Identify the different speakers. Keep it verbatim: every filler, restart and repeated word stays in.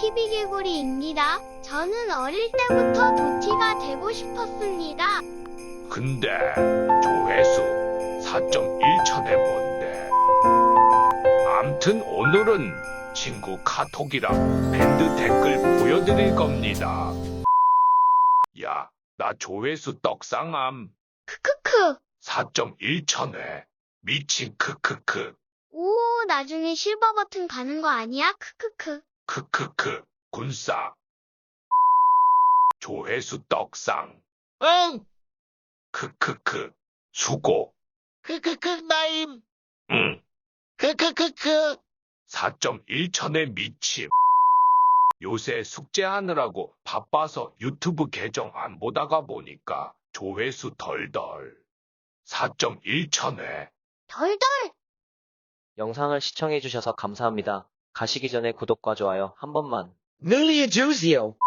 Speaker 1: 티비개구리입니다. 저는 어릴 때부터 도티가 되고 싶었습니다.
Speaker 2: 근데 조회수 사 점 일천에 뭔데? 암튼 오늘은 친구 카톡이랑 밴드 댓글 보여드릴 겁니다. 야, 나 조회수 떡상함.
Speaker 1: 크크크.
Speaker 2: 사 점 일천회. 미친 크크크.
Speaker 1: 오, 나중에 실버 버튼 가는 거 아니야? 크크크.
Speaker 2: 크크크. 군싸. 조회수 떡상.
Speaker 3: 응,
Speaker 2: 크크크. 수고.
Speaker 3: 크크크 나임,
Speaker 2: 응.
Speaker 3: 크크크크.
Speaker 2: 사 점 일천에 미침. 요새 숙제하느라고 바빠서 유튜브 계정 안 보다가 보니까 조회수 덜덜. 사 점 일천회.
Speaker 1: 덜덜.
Speaker 4: 영상을 시청해주셔서 감사합니다. 가시기 전에 구독과 좋아요 한 번만.
Speaker 3: 늘려주세요.